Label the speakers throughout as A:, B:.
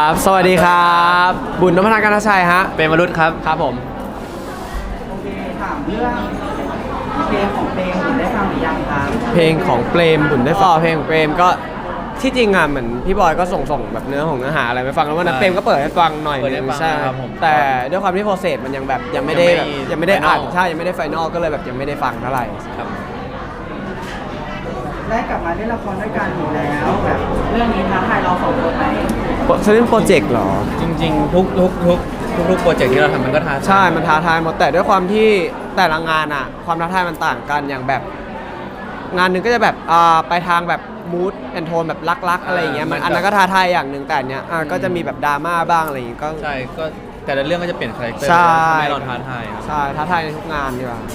A: บสวัสดีครับบุญนพนันท์ กนชัยฮะ
B: เป็นมรุษครับ
A: ครับผม
C: โอเคถามเรื่องเพลงของเพลงบุญได้ฟังหรือยังครับ
A: เพลงของเปรมบุญได้ฟังเพลงของเปรมก็ที่จริงอ่ะเหมือนพี่บอยก็ส่งแบบเนื้อหาอะไรไปฟังแล้ววันนั้นเปรมก็เปิดให้ฟังหน่อยนึงใช่แต่ด้วยความที่โปรเซสมันยังแบบยังไม่ได้อ่านใช่ยังไม่ได้ไฟนอลก็เลยแบบยังไม่ได้ฟังเท่าไหร่ครับ
C: ได้กลับมาเล่นละครด้วยกันอยู่แล้วแบบเรื่องนี้ท้าทายเราสองคนไหม
A: เล่นโปรเจกต์เหรอ
B: จริงๆทุกโปรเจกต์ที่เราทำมันก็ท้าทาย
A: ใช่มันท้าทายหมดแต่ด้วยความที่แต่ละงานอ่ะความท้าทายมันต่างกันอย่างแบบงานหนึ่งก็จะแบบไปทางแบบมูดแอนโทนแบบรักๆอะไรอย่างเงี้ยมันอันนั้นก็ท้าทายอย่างหนึ่งแต่เนี้ยก็จะมีแบบดราม่าบ้างอะไรอย่างเงี้ยก็
B: ใช่ก็แต่ละเรื่องก็จะเปลี่ยนคาแรคเตอร์ให้เราท้าทาย
A: ใช่ท้าทายในทุกงานดีกว่า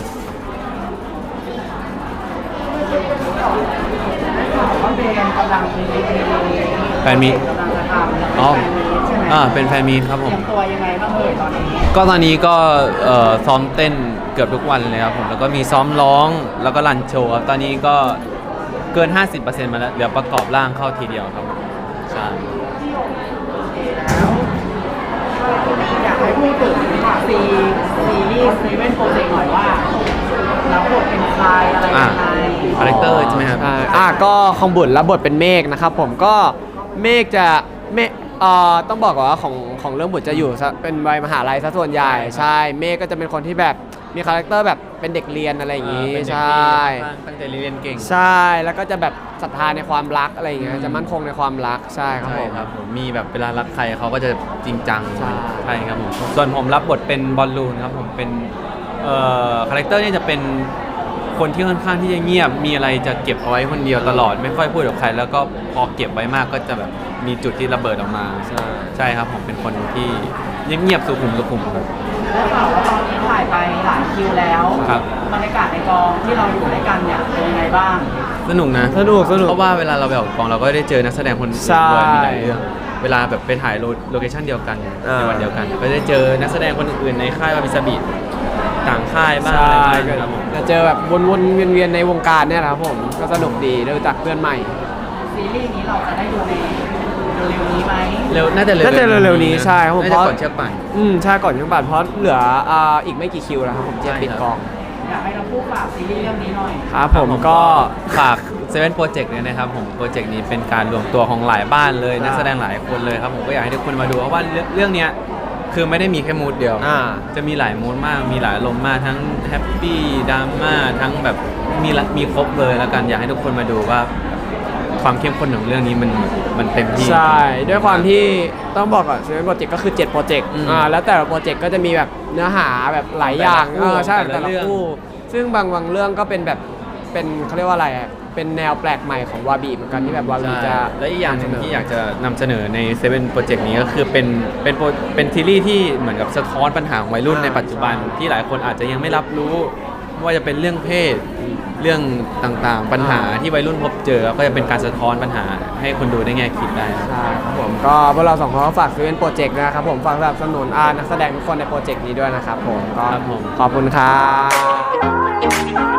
C: ว่าเพลงกำลังมี
B: แฟนมี
C: กำลังจะทำ
B: อ๋อ
C: ใช่ไหม
B: เป็นแฟนมีครับผม
C: เตรียมตัวยังไงบ้างตอนนี้
B: ก็ตอนนี้ก็ซ้อมเต้นเกือบทุกวันเลยครับผมแล้วก็มีซ้อมร้องแล้วก็รันโชว์ครับตอนนี้ก็เกิน 50% มาแล้วเดี๋ยวประกอบร่างเข้าทีเดียวครับใช่
C: แล้วอยากให้พูดถึงซีรีส์เว่นโปรเจกต์หน่อยว่ารับบทเป็นใครอะไรยังไง
B: คาแรคเตอร์ใช่ไหมครับ
A: ก็ของบุญรับบทเป็นเมฆนะครับผมก็เมฆจะต้องบอกก่อนว่าของเรื่องบุญจะอยู่เป็นวัยมหาลัยซะส่วนใหญ่ใช่เมฆก็จะเป็นคนที่แบบมีคาแรคเตอร์แบบเป็นเด็กเรียนอะไรอย่างงี้ใช่
B: ตั้งใจเรียนเก่ง
A: ใช่แล้วก็จะแบบศรัทธาในความรักอะไรอย่างเงี้ยจะมั่นคงในความรักใช่ครับ
B: ผมมีแบบเวลารักใครเขาก็จะจริงจังใช่ครับผมส่วนผมรับบทเป็นบอลลูนครับผมเป็นคาแรคเตอร์นี่จะเป็นคนที่ค่อนข้างที่จะเงียบมีอะไรจะเก็บเอาไว้คนเดียวตลอดไม่ค่อยพูดกับใครแล้วก็พอเก็บไว้มากก็จะแบบมีจุดที่ระเบิดออกมาใช่ครับผมเป็นคนที่เงียบๆสุขุมครับ
C: ได้ข่าวว่าตอนนี้ถ่ายไปหลายคิวแล้ว
B: ครับ
C: บรรยากาศในกองที่เราอยู่ด้วยกันเนี่ยเป็นยังไงบ้าง
B: สนุกนะ
A: สนุก
B: เพราะว่าเวลาเราไปออกกองเราก็ได้เจอนักแสดงคนอื่นด้วยมีหลายเรื่องเวลาแบบไปถ่ายโลเคชั่นเดียวกันในวันเดียวกันก็ได้เจอนักแสดงคนอื่นในค่ายวามิซาบิต่างค่ายบ้างอะไรบ้างครับผม
A: จะเจอแบบวนๆเวียนๆในวงการเนี่ยครับผมก็สนุกดีได้รู้จักเพื่อนใหม่
C: ซีรีส์นี้เราจะได้ดูในเร็วนี้ไหม
B: น่าจะเ
A: ร็วนี้ใช่ครับผม
B: เพราะก่อนเชือกป่าน
A: ใช่ก่อนเชือกป่านเพราะเหลืออีกไม่กี่คิวแล้วครับผมจะปิดกอง
C: อยากให้เราพูดฝากซีรีส์เรื่องนี้หน่อย
A: ครับผมก็
B: ฝากเซเว่นโปรเจกต์เนี่ยนะครับผมโปรเจกต์นี้เป็นการรวมตัวของหลายบ้านเลยนักแสดงหลายคนเลยครับผมก็อยากให้ทุกคนมาดูเพราะว่าเรื่องนี้คือไม่ได้มีแค่มูดเดียวจะมีหลายมูดมากมีหลายอารมณ์มากทั้งแฮปปี้ดราม่าทั้งแบบมีครบเลยแล้วกันอยากให้ทุกคนมาดูว่าความเข้มข้นของเรื่องนี้มันเต็มที่
A: ใช่ด้วยความที่ต้องบอกก่อนเซเว่นโปรเจกต์ก็คือ7โปรเจกต์แล้วแต่ละโปรเจกต์ก็จะมีแบบเนื้อหาแบบหลายอย่างใช่แต่ละคู่ซึ่งบางเรื่องก็เป็นแบบเป็นเขาเรียกว่าอะไรเป็นแนวแปลกใหม่ของวาบีเหมือนกันที่แบบวาบีจะ
B: และอีกอย่างนึงที่อยากจะนำเสนอในเซเว่นโปรเจกต์นี้ก็คือเป็นซีรีส์ที่เหมือนกับสะท้อนปัญหาของวัยรุ่นในปัจจุบันที่หลายคนอาจจะยังไม่รับรู้ว่าจะเป็นเรื่องเพศเรื่องต่างๆปัญหาที่วัยรุ่นพบเจอก็จะเป็นการสะท้อนปัญหาให้คนดูได้แง่คิดได้
A: ใช่ครับผมก็พวกเราสองคนก็ฝากเซเว่นโปรเจกต์นะครับผมฝากสนับสนุนนักแสดงทุกคนในโปรเจกต์นี้ด้วยนะครับผมก็ขอบคุณครับ